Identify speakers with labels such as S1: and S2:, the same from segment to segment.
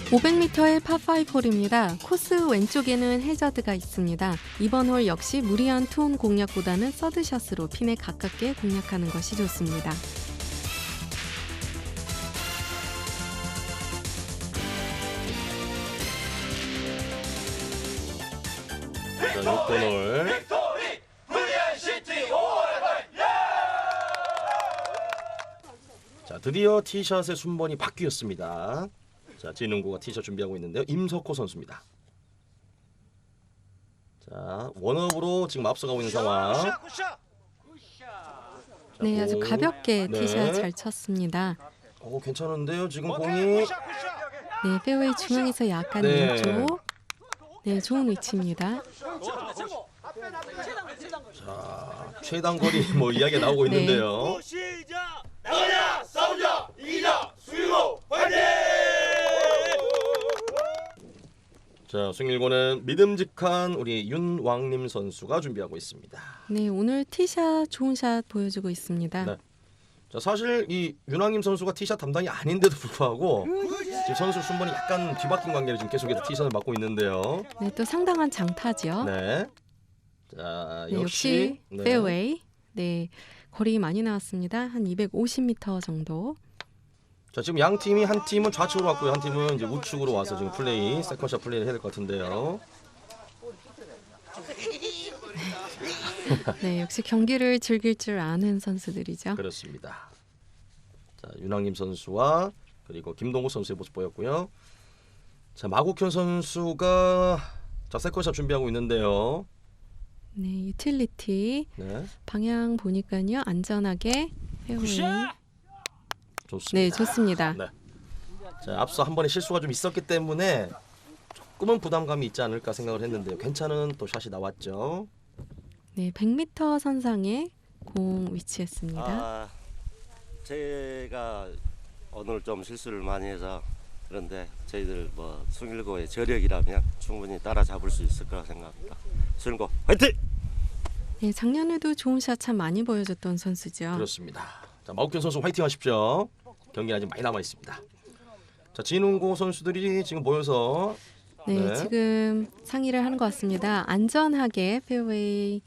S1: 500m의 파5 홀입니다. 코스 왼쪽에는 해저드가 있습니다. 이번 홀 역시 무리한 투혼 공략보다는 서드샷으로 핀에 가깝게 공략하는 것이 좋습니다.
S2: 자, 6번 홀. 자, 드디어 티샷의 순번이 바뀌었습니다. 자, 진흥구가 티샷 준비하고 있는데요. 임석호 선수입니다. 자, 원업으로 지금 앞서가고 있는 상황. 자,
S1: 네, 아주
S2: 공.
S1: 가볍게
S2: 네.
S1: 티샷 잘 쳤습니다.
S2: 오, 괜찮은데요. 지금 공이.
S1: 네, 페어웨이 중앙에서 약간
S2: 네.
S1: 왼쪽. 네, 좋은 위치입니다.
S2: 자, 최단 거리 뭐 이야기가 나오고
S1: 네.
S2: 있는데요.
S3: 시작! 나가자! 싸우자! 이기자! 수일고! 화이팅!
S2: 자, 승일고는 믿음직한 우리 윤왕림 선수가 준비하고 있습니다.
S1: 네, 오늘 티샷 좋은 샷 보여주고 있습니다.
S2: 네. 자, 사실 이 윤왕림 선수가 티샷 담당이 아닌데도 불구하고 지금 선수 순번이 약간 뒤바뀐 관계로 지금 계속해서 티샷을 맡고 있는데요.
S1: 네, 또 상당한 장타죠.
S2: 네. 자,
S1: 네, 역시
S2: 네.
S1: 페어웨이. 네, 거리 많이 나왔습니다. 한 250m 정도.
S2: 자, 지금 양 팀이 한 팀은 좌측으로 왔고요, 한 팀은 이제 우측으로 와서 지금 플레이, 세컨샷 플레이를 해야 될 것 같은데요.
S1: 네, 역시 경기를 즐길 줄 아는 선수들이죠.
S2: 그렇습니다. 자, 윤왕림 선수와 그리고 김동호 선수의 모습 보였고요. 자, 마국현 선수가 자, 세컨샷 준비하고 있는데요.
S1: 네, 유틸리티
S2: 네,
S1: 방향 보니까요, 안전하게 페어웨이.
S2: 좋습니다.
S1: 네, 좋습니다.
S2: 네. 자, 앞서 한 번의 실수가 좀 있었기 때문에 조금은 부담감이 있지 않을까 생각을 했는데요. 괜찮은 또 샷이 나왔죠.
S1: 네, 100m 선상에 공 위치했습니다.
S4: 제가 오늘 좀 실수를 많이 해서 그런데 저희들 뭐 숭일고의 저력이라면 충분히 따라잡을 수 있을 거라 생각합니다. 숭일고 화이팅!
S1: 네, 작년에도 좋은 샷 참 많이 보여줬던 선수죠.
S2: 그렇습니다. 자, 마국현 선수 화이팅 하십시오. 경기 아직 많이 남아 있습니다. 자, 진흥고 선수들이 지금 모여서
S1: 네,
S2: 네.
S1: 지금 상의를 하는 것 같습니다. 안전하게 페어웨이로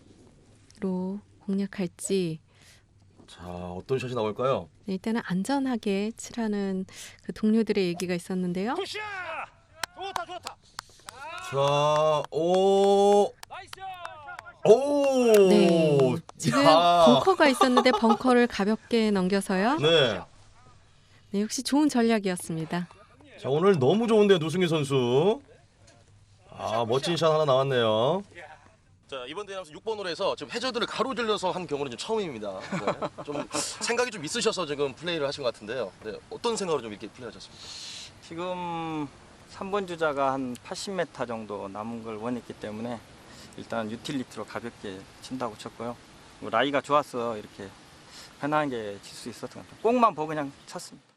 S1: 공략할지.
S2: 자, 어떤 샷이 나올까요?
S1: 네, 일단은 안전하게 치라는 그 동료들의 얘기가 있었는데요.
S3: 굿샷! 좋다 좋다!
S2: 자, 오,
S3: 나이스!
S2: 오,
S1: 네, 지금
S2: 야.
S1: 벙커가 있었는데 벙커를 가볍게 넘겨서요.
S2: 네.
S1: 네, 역시 좋은 전략이었습니다.
S2: 자, 오늘 너무 좋은데요, 노승희 선수. 아, 멋진 샷 하나 나왔네요. 자, 이번 대회에서 6번 홀에서 지금 해저드를 가로질러서 한 경우는 좀 처음입니다. 네. 좀 생각이 좀 있으셔서 지금 플레이를 하신 것 같은데요. 네, 어떤 생각으로 좀 이렇게 플레이하셨습니까?
S5: 지금 3번 주자가 한 80m 정도 남은 걸 원했기 때문에 일단 유틸리티로 가볍게 친다고 쳤고요. 뭐 라이가 좋아서 이렇게 편하게 칠 수 있었던 것 같아요. 공만 보고 그냥 쳤습니다.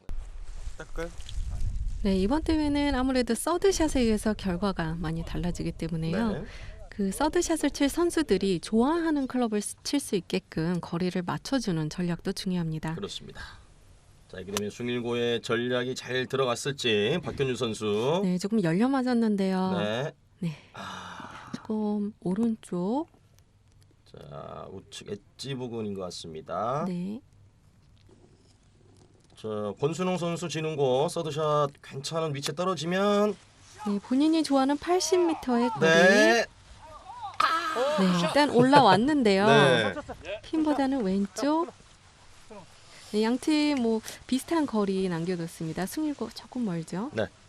S1: 네, 이번 대회는 아무래도 서드샷에 의해서 결과가 많이 달라지기 때문에요.
S2: 네.
S1: 그 서드샷을 칠 선수들이 좋아하는 클럽을 칠 수 있게끔 거리를 맞춰주는 전략도 중요합니다.
S2: 그렇습니다. 자, 이렇게 되면 숭일고의 전략이 잘 들어갔을지 박현주 선수.
S1: 네, 조금 열려 맞았는데요.
S2: 네.
S1: 네,
S2: 아,
S1: 조금 오른쪽.
S2: 자, 우측 엣지 부근인 것 같습니다.
S1: 네,
S2: 자, 권순홍 선수 진흥고 서드샷 괜찮은 위치에 떨어지면
S1: 네, 본인이 좋아하는 80m의 거리.
S2: 네.
S1: 네, 일단 올라왔는데요.
S2: 네.
S1: 핀보다는 왼쪽. 네, 양팀 뭐 비슷한 거리 남겨뒀습니다. 승일고 조금 멀죠.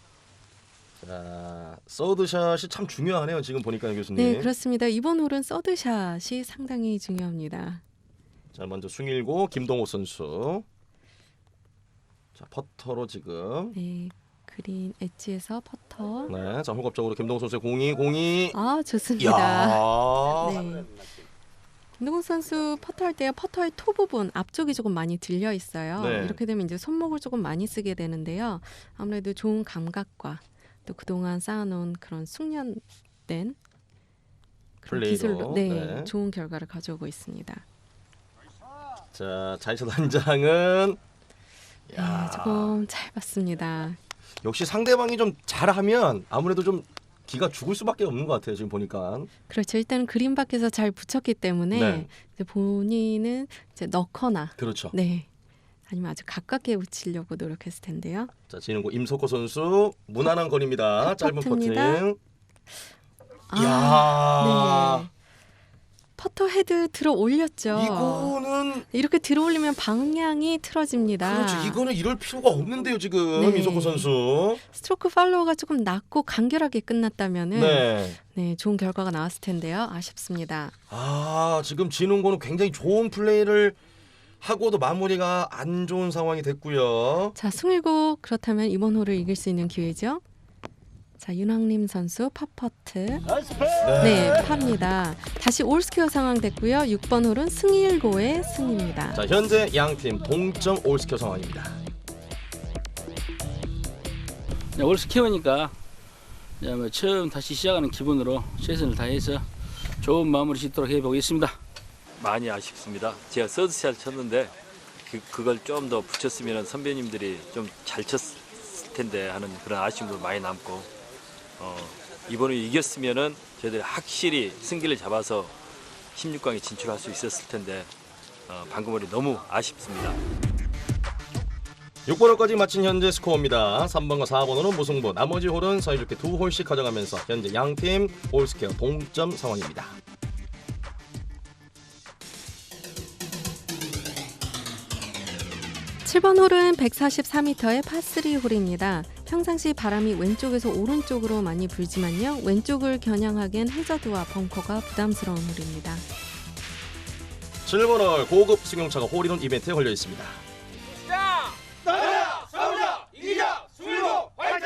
S2: 자, 서드샷이 참 중요하네요. 지금 보니까 교수님.
S1: 네, 그렇습니다. 이번 홀은 서드샷이 상당히 중요합니다.
S2: 자, 먼저 숭일고 김동호 선수. 자, 퍼터로 지금.
S1: 네, 그린 엣지에서 퍼터.
S2: 네, 자, 홀겁적으로 김동호 선수의 공이.
S1: 아, 좋습니다.
S2: 야.
S1: 네. 김동훈 선수 퍼터할 때 퍼터의 토 부분 앞쪽이 조금 많이 들려 있어요.
S2: 네.
S1: 이렇게 되면 이제 손목을 조금 많이 쓰게 되는데요. 아무래도 좋은 감각과 또 그동안 쌓아놓은 그런 숙련된 그런
S2: 플레이로,
S1: 기술로 네,
S2: 네.
S1: 좋은 결과를 가져오고 있습니다.
S2: 자, 자이샷 한 장은
S1: 네, 조금 짧았습니다.
S2: 역시 상대방이 좀 잘하면 아무래도 좀 기가 죽을 수밖에 없는 것 같아요. 지금 보니까.
S1: 그렇죠. 일단 그림 밖에서 잘 붙였기 때문에
S2: 네.
S1: 이제 본인은 이제 넣거나
S2: 그렇죠.
S1: 네. 아니면 아주 가깝게 붙이려고 노력했을 텐데요.
S2: 자, 지는고 임석호 선수 무난한 거리입니다. 짧은
S1: 퍼트입니다.
S2: 퍼팅. 이야.
S1: 네. 퍼터 헤드 들어 올렸죠.
S2: 이거는
S1: 이렇게 들어 올리면 방향이 틀어집니다.
S2: 그렇죠. 이거는 이럴 필요가 없는데요, 지금
S1: 네.
S2: 임석호 선수.
S1: 스트로크 팔로우가 조금 낮고 간결하게 끝났다면은 네.
S2: 네.
S1: 좋은 결과가 나왔을 텐데요. 아쉽습니다.
S2: 아, 지금 지는고는 굉장히 좋은 플레이를 하고도 마무리가 안 좋은 상황이 됐고요.
S1: 자, 승일고 그렇다면 이번 홀을 이길 수 있는 기회죠. 자, 윤왕림 선수 팝퍼트. 네, 팝니다. 다시 올스퀘어 상황 됐고요. 6번 홀은 승일고의 승입니다.
S2: 자, 현재 양팀 동점 올스퀘어 상황입니다.
S6: 네, 올스퀘어니까 처음 다시 시작하는 기분으로 최선을 다해서 좋은 마무리 짓도록 해보겠습니다.
S7: 많이 아쉽습니다. 제가 서드샷 쳤는데 그걸 좀 더 붙였으면 선배님들이 좀 잘 쳤을 텐데 하는 그런 아쉬움도 많이 남고 이번에 이겼으면은 저희들이 확실히 승기를 잡아서 16강에 진출할 수 있었을 텐데 방금 홀이 너무 아쉽습니다.
S2: 6번 홀까지 마친 현재 스코어입니다. 3번과 4번 홀은 무승부, 나머지 홀은 사이좋게 2홀씩 가져가면서 현재 양팀 올스퀘어 동점 상황입니다.
S1: 칠번 홀은 144m의 파3 홀입니다. 평상시 바람이 왼쪽에서 오른쪽으로 많이 불지만요. 왼쪽을 겨냥하기엔 해저드와 벙커가 부담스러운 홀입니다.
S2: 7번 홀 고급 승용차가 홀인원 이벤트에 걸려 있습니다.
S3: 나가자 싸우자 이기자 승일고 화이팅!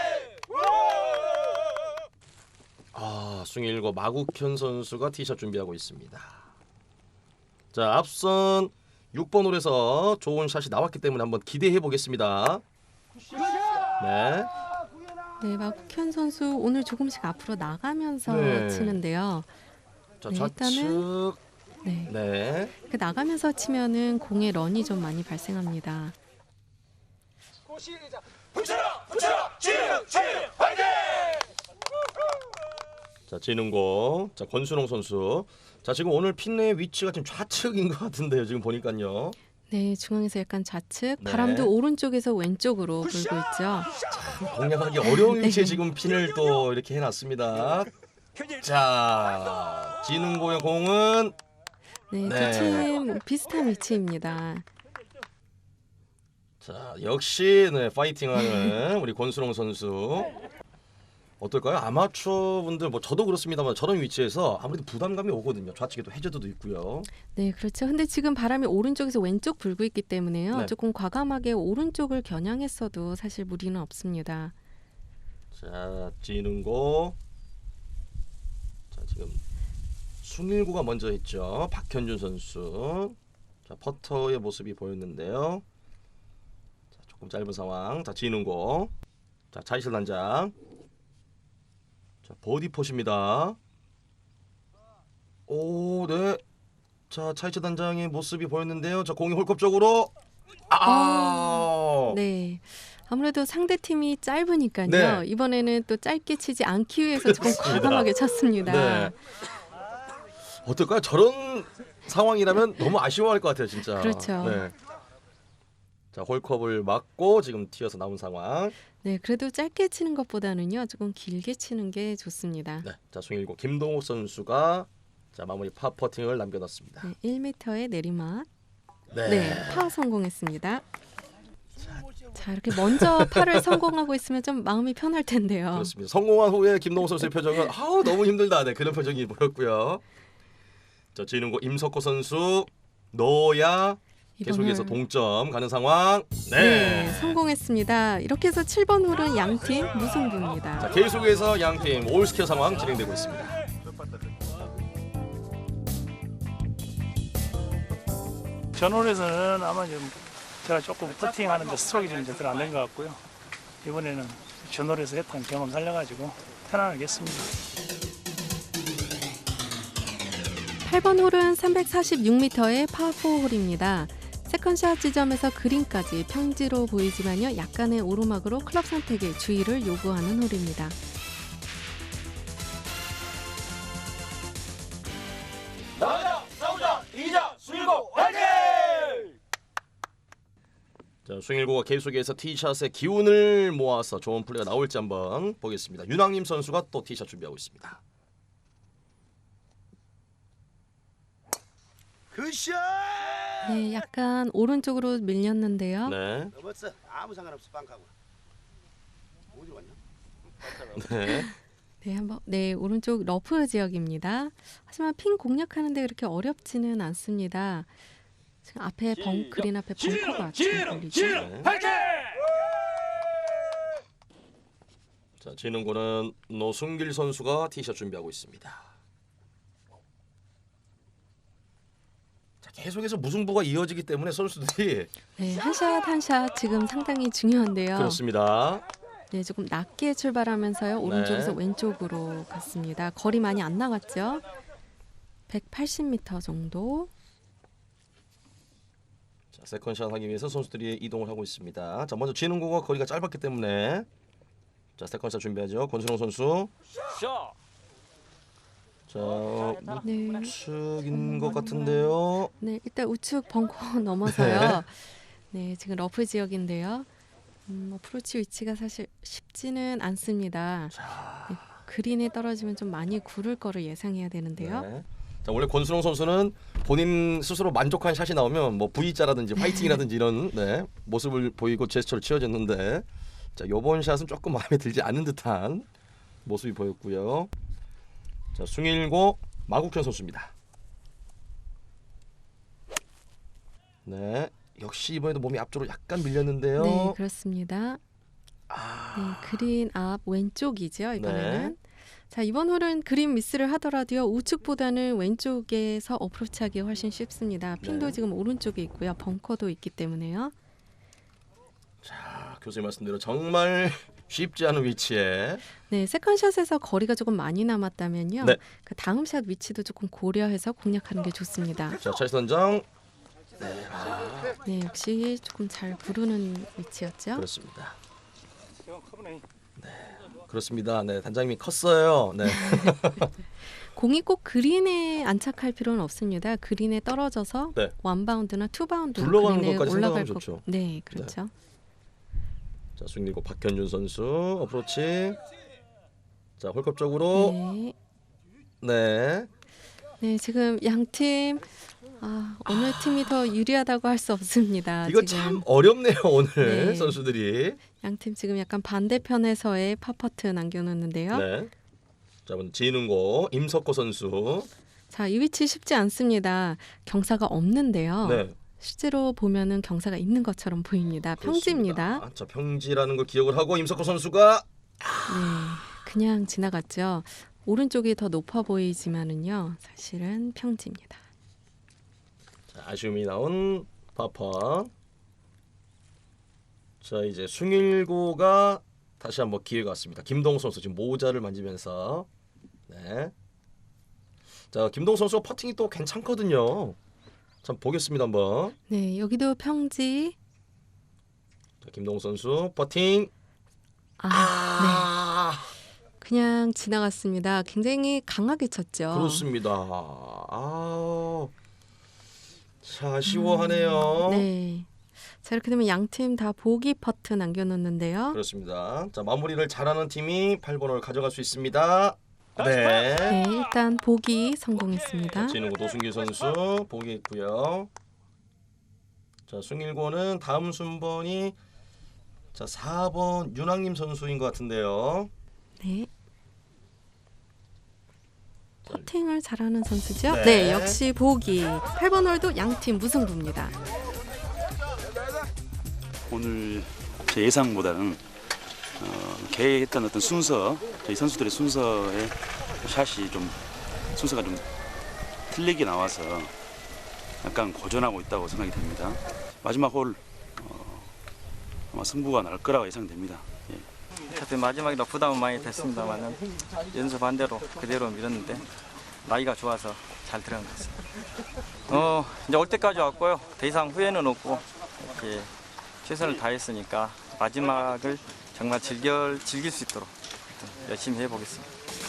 S2: 아, 숭일고 마국현 선수가 티샷 준비하고 있습니다. 자, 앞선 6번 홀에서 좋은 샷이 나왔기 때문에 한번 기대해 보겠습니다. 네.
S1: 네, 마국현 선수 오늘 조금씩 앞으로 나가면서
S2: 네.
S1: 치는데요.
S2: 자,
S1: 네,
S2: 좌측.
S1: 네,
S2: 네.
S1: 그 나가면서 치면은 공의 런이 좀 많이 발생합니다.
S3: 붙여라 지능 화이팅!
S2: 자, 진흥고. 자, 권순홍 선수. 자, 지금 오늘 핀의 위치가 지금 좌측인 것 같은데요. 지금 보니까요.
S1: 네, 중앙에서 약간 좌측,
S2: 네.
S1: 바람도 오른쪽에서 왼쪽으로 불고 있죠.
S2: 공략하기 어려운 위치에
S1: 네.
S2: 지금 핀을 또 이렇게 해놨습니다. 자, 진흥고의 공은
S1: 네,
S2: 네.
S1: 두 팀 비슷한 위치입니다.
S2: 자, 역시 네, 파이팅하는 우리 권순홍 선수. 어떨까요? 아마추어 분들 뭐 저도 그렇습니다만 저런 위치에서 아무래도 부담감이 오거든요. 좌측에도 해저드도 있고요.
S1: 네, 그렇죠. 근데 지금 바람이 오른쪽에서 왼쪽 불고 있기 때문에요.
S2: 네.
S1: 조금 과감하게 오른쪽을 겨냥했어도 사실 무리는 없습니다.
S2: 자, 진흥고. 자, 지금 숭일고가 먼저 있죠. 박현준 선수. 자, 퍼터의 모습이 보였는데요. 자, 조금 짧은 상황. 자, 진흥고. 자, 차이슬 단장. 자, 버디 펫입니다. 오, 네. 자, 차이슬 단장의 모습이 보였는데요. 자, 공이 홀컵 쪽으로.
S1: 네. 아무래도 상대 팀이 짧으니까요.
S2: 네.
S1: 이번에는 또 짧게 치지 않기 위해서 조금
S2: 그렇습니다.
S1: 과감하게 쳤습니다.
S2: 네. 어떨까요? 저런 상황이라면 너무 아쉬워할 것 같아요, 진짜.
S1: 그렇죠.
S2: 네. 자, 홀컵을 맞고 지금 튀어서 나온 상황.
S1: 네, 그래도 짧게 치는 것보다는요. 조금 길게 치는 게 좋습니다.
S2: 네. 자, 숭일고 김동욱 선수가 자, 마무리 파 퍼팅을 남겨놨습니다.
S1: 네, 1m의 내리막.
S2: 네.
S1: 네, 파 성공했습니다. 자, 이렇게 먼저 파를 성공하고 있으면 좀 마음이 편할 텐데요.
S2: 그렇습니다. 성공한 후에 김동욱 선수의 표정은 아우 너무 힘들다. 네, 그런 표정이 보였고요. 자, 진흥고 임석호 선수 넣어야 계속해서
S1: 이번을-
S2: 동점 가는 상황.
S1: 네, 성공했습니다. 이렇게 해서 7번 홀은 양팀 무승부입니다.
S2: 자, 계속해서 양팀 올스퀘어 상황 진행되고 있습니다.
S8: 전홀에서는 아마 좀 제가 조금 퍼팅하는데 스트로크가 좀 제대로 안 된 것 같고요. 이번에는 전홀에서 했던 경험 살려가지고 편안하게 했습니다.
S1: 8번 홀은 346m의 파4 홀입니다. 세컨샷 지점에서 그린까지 평지로 보이지만요. 약간의 오르막으로 클럽 선택에 주의를 요구하는 홀입니다.
S3: 나가자 싸우자 이기자 수일고 화이팅!
S2: 자, 숭일고가 계속해서 티샷의 기운을 모아서 좋은 플레이가 나올지 한번 보겠습니다. 윤왕님 선수가 또 티샷 준비하고 있습니다.
S3: 굿샷!
S1: 네, 약간 오른쪽으로 밀렸는데요.
S2: 네.
S3: 넘었어. 아무 상관없어. 빵하고. 어디로 왔냐?
S2: 네.
S1: 네, 한번 네, 오른쪽 러프 지역입니다. 하지만 핀 공략하는데 그렇게 어렵지는 않습니다. 지금 앞에 그린 앞에 벙커가 좀 걸리죠.
S2: 네. 자, 지는고는 노승길 선수가 티샷 준비하고 있습니다. 자, 계속해서 무승부가 이어지기 때문에 선수들이
S1: 네, 한 샷 한 샷 지금 상당히 중요한데요.
S2: 그렇습니다.
S1: 네, 조금 낮게 출발하면서요. 오른쪽에서
S2: 네.
S1: 왼쪽으로 갔습니다. 거리 많이 안 나갔죠. 180m 정도.
S2: 자, 세컨샷 하기 위해서 선수들이 이동을 하고 있습니다. 자, 먼저 지는고가 거리가 짧았기 때문에 자, 세컨샷 준비하죠. 권순홍 선수. 자,
S1: 네.
S2: 우측인 것 같은데요.
S1: 네, 일단 우측 벙커 넘어서요. 네, 지금 러프 지역인데요. 어프로치 위치가 사실 쉽지는 않습니다. 네, 그린에 떨어지면 좀 많이 구를 거를 예상해야 되는데요.
S2: 네. 자, 원래 권순홍 선수는 본인 스스로 만족한 샷이 나오면 뭐 V자라든지 화이팅이라든지 이런 네, 모습을 보이고 제스처를 취해줬는데 자, 이번 샷은 조금 마음에 들지 않는 듯한 모습이 보였고요. 자, 숭일고 마국현 선수입니다. 네, 역시 이번에도 몸이 앞쪽으로 약간 밀렸는데요.
S1: 네, 그렇습니다. 네, 그린 앞 왼쪽이죠, 이번에는.
S2: 네.
S1: 자, 이번 홀은 그린 미스를 하더라도요. 우측보다는 왼쪽에서 어프로치하기 훨씬 쉽습니다. 핀도
S2: 네.
S1: 지금 오른쪽에 있고요. 벙커도 있기 때문에요.
S2: 자, 교수님 말씀대로 정말 쉽지 않은 위치에
S1: 네, 세컨샷에서 거리가 조금 많이 남았다면요.
S2: 네.
S1: 그 다음 샷 위치도 조금 고려해서 공략하는 게 좋습니다.
S2: 자, 찰스 선장
S1: 네, 역시 조금 잘 부르는 위치였죠.
S2: 그렇습니다. 그렇습니다. 네, 단장님이 컸어요. 네.
S1: 공이 꼭 그린에 안착할 필요는 없습니다. 그린에 떨어져서
S2: 네.
S1: 원바운드나 투바운드로
S2: 굴러가는
S1: 그린에
S2: 것까지
S1: 올라갈
S2: 생각하면
S1: 거.
S2: 좋죠.
S1: 네, 그렇죠.
S2: 자, 숭일고 박현준 선수 어프로치. 자, 홀컵 쪽으로
S1: 네.
S2: 네.
S1: 네, 지금 양 팀 어느 팀이 더 유리하다고 할 수 없습니다.
S2: 이거
S1: 지금
S2: 참 어렵네요, 오늘
S1: 네.
S2: 선수들이.
S1: 양 팀 지금 약간 반대편에서의 파퍼트 남겨놓는데요.
S2: 네. 자, 먼저 지는고 임석호 선수.
S1: 자, 이 위치 쉽지 않습니다. 경사가 없는데요.
S2: 네.
S1: 실제로 보면은 경사가 있는 것처럼 보입니다. 평지입니다.
S2: 그렇습니다. 자, 평지라는 걸 기억을 하고 임석호 선수가
S1: 네, 그냥 지나갔죠. 오른쪽이 더 높아 보이지만은요, 사실은 평지입니다.
S2: 자, 아쉬움이 나온 파파. 자, 이제 숭일고가 다시 한번 기회가 왔습니다. 김동욱 선수 지금 모자를 만지면서 네. 자, 김동욱 선수가 퍼팅이 또 괜찮거든요. 참 보겠습니다 한번.
S1: 네, 여기도 평지.
S2: 자, 김동욱 선수 퍼팅.
S1: 네. 그냥 지나갔습니다. 굉장히 강하게 쳤죠.
S2: 그렇습니다. 자, 아쉬워하네요.
S1: 네. 자, 이렇게 되면 양 팀 다 보기 퍼트 남겨놓는데요.
S2: 그렇습니다. 자, 마무리를 잘하는 팀이 8번 홀 가져갈 수 있습니다. 네.
S1: 네, 일단 보기 성공했습니다.
S2: 진우고 노승길 선수 보기 있고요. 자, 숭일고는 다음 순번이 자 4번 윤왕님 선수인 것 같은데요.
S1: 네. 퍼팅을 잘하는 선수죠?
S2: 네.
S1: 네, 역시 보기. 8번 홀도 양 팀 무승부입니다.
S9: 오늘 제 예상보다는 계획했던 어떤 순서, 저희 선수들의 순서의 샷이 좀 순서가 좀 틀리게 나와서 약간 고전하고 있다고 생각이 됩니다. 마지막 홀 아마 승부가 날 거라고 예상됩니다. 예.
S5: 어차피 마지막이라 부담은 많이 됐습니다만은 연습 반대로 그대로 밀었는데 라이가 좋아서 잘 들어간 것 같습니다. 이제 올 때까지 왔고요. 더 이상 후회는 없고 이렇게 최선을 다했으니까 마지막을 정말 즐길 수 있도록 열심히 해보겠습니다.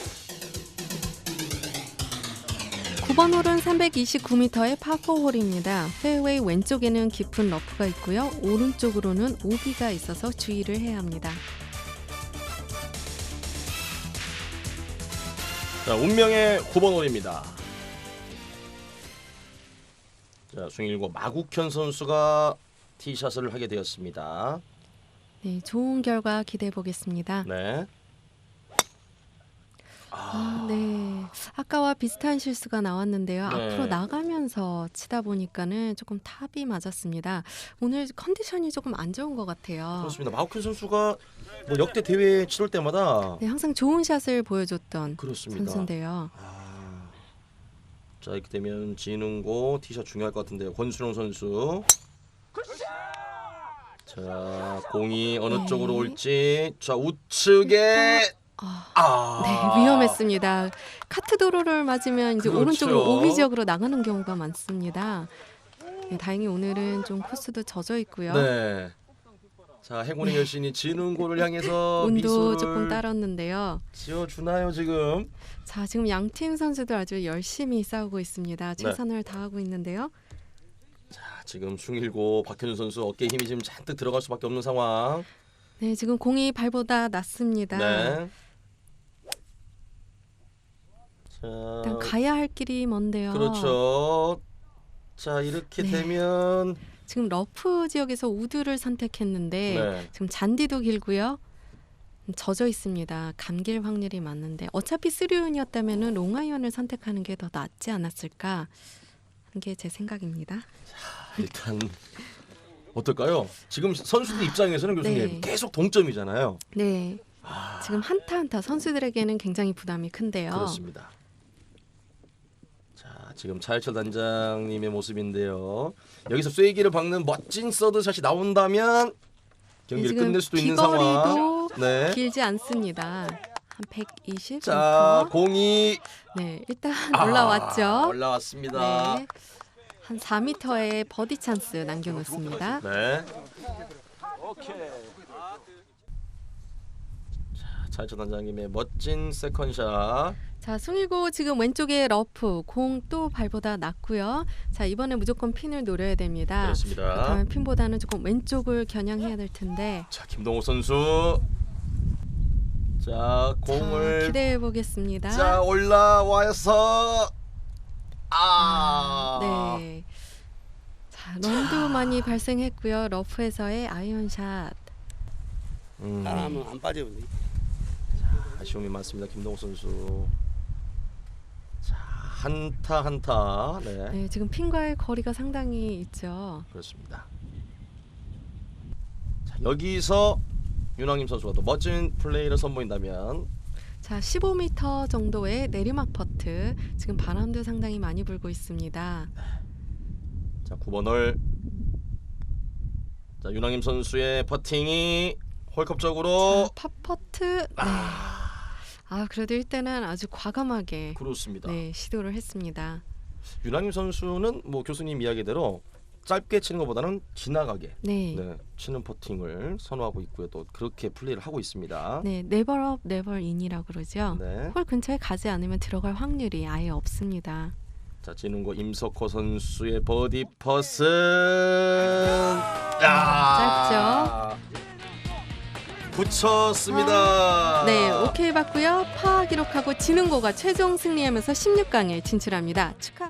S1: 9번 홀은 329m의 파4홀입니다. 페어웨이 왼쪽에는 깊은 러프가 있고요. 오른쪽으로는 오비가 있어서 주의를 해야 합니다.
S2: 자, 운명의 9번 홀입니다. 자, 숭일고 마국현 선수가 티샷을 하게 되었습니다.
S1: 네, 좋은 결과 기대해 보겠습니다.
S2: 네.
S1: 네. 아까와 비슷한 실수가 나왔는데요.
S2: 네.
S1: 앞으로 나가면서 치다 보니까는 조금 탑이 맞았습니다. 오늘 컨디션이 조금 안 좋은 것 같아요.
S2: 그렇습니다. 마국현 선수가 뭐 역대 대회 치를 때마다
S1: 네, 항상 좋은 샷을 보여줬던
S2: 그렇습니다.
S1: 선수인데요.
S2: 자, 이렇게 되면 지능고 티샷 중요할 것 같은데요. 권순영 선수. 자, 공이 어느
S1: 네.
S2: 쪽으로 올지. 자, 우측에
S1: 네, 위험했습니다. 카트 도로를 맞으면 이제
S2: 그렇죠.
S1: 오른쪽으로 오비 지역으로 나가는 경우가 많습니다. 네, 다행히 오늘은 좀 코스도 젖어 있고요.
S2: 네. 자, 행운의 여신이 지능고를 향해서
S1: 운도
S2: 미소를
S1: 조금 따랐는데요.
S2: 지어주나요 지금?
S1: 자, 지금 양팀 선수들 아주 열심히 싸우고 있습니다.
S2: 네.
S1: 최선을 다하고 있는데요.
S2: 자, 지금 숭일고 박현준 선수 어깨에 힘이 지금 잔뜩 들어갈 수밖에 없는 상황.
S1: 네, 지금 공이 발보다 낮습니다.
S2: 네. 자,
S1: 일단 가야 할 길이 먼데요.
S2: 그렇죠. 자, 이렇게
S1: 네.
S2: 되면
S1: 지금 러프 지역에서 우드를 선택했는데
S2: 네.
S1: 지금 잔디도 길고요. 젖어 있습니다. 감길 확률이 많은데 어차피 3온이었다면 롱아이언을 선택하는 게 더 낫지 않았을까 하는 게 제 생각입니다.
S2: 일단 어떨까요? 지금 선수들 입장에서는 교수님
S1: 네.
S2: 계속 동점이잖아요.
S1: 네, 지금 한타 한타 선수들에게는 굉장히 부담이 큰데요.
S2: 그렇습니다. 자, 지금 차일철 단장님의 모습인데요. 여기서 쐐기를 박는 멋진 서드샷이 나온다면 경기를
S1: 지금
S2: 끝낼 수도 있는
S1: 비거리도
S2: 상황. 네.
S1: 길지 않습니다. 한 120m.
S2: 자, 공이
S1: 네, 일단 올라왔죠.
S2: 올라왔습니다.
S1: 네, 한 4m의 버디 찬스 남겨놓습니다.
S2: 네. 자, 차일철 단장님의 멋진 세컨샷.
S1: 자, 숭일고 지금 왼쪽에 러프, 공 또 발보다 낮고요. 자, 이번에 무조건 핀을 노려야 됩니다.
S2: 그렇습니다.
S1: 그렇다면 핀보다는 조금 왼쪽을 겨냥해야 될 텐데.
S2: 자, 김동호 선수. 자, 공을
S1: 자, 기대해 보겠습니다.
S2: 자, 올라와서
S1: 네. 자, 런도 많이 발생했고요. 러프에서의 아이언샷.
S4: 따라하면 안 빠져.
S2: 아쉬움이 많습니다. 김동호 선수. 자, 한타 한타. 네.
S1: 네, 지금 핀과의 거리가 상당히 있죠.
S2: 그렇습니다. 자, 여기서 윤왕님 선수가 또 멋진 플레이를 선보인다면
S1: 자, 15m 정도의 내리막 퍼트. 지금 바람도 상당히 많이 불고 있습니다.
S2: 자, 9번 홀. 자, 윤왕님 선수의 퍼팅이 홀컵적으로
S1: 팝퍼트. 네. 그래도 일단은 아주 과감하게
S2: 그렇습니다.
S1: 네, 시도를 했습니다.
S2: 윤왕님 선수는 뭐 교수님 이야기대로 짧게 치는 것보다는 지나가게
S1: 네.
S2: 치는 퍼팅을 선호하고 있고요. 또 그렇게 플레이를 하고 있습니다.
S1: 네, 네버 업, 네버 인이라고 그러죠.
S2: 네.
S1: 홀 근처에 가지 않으면 들어갈 확률이 아예 없습니다.
S2: 자, 지능고 임석호 선수의 버디 퍼슨.
S1: 짧죠?
S2: 붙였습니다.
S1: 네, 오케이 받고요. 파 기록하고 지능고가 최종 승리하면서 16강에 진출합니다. 축하.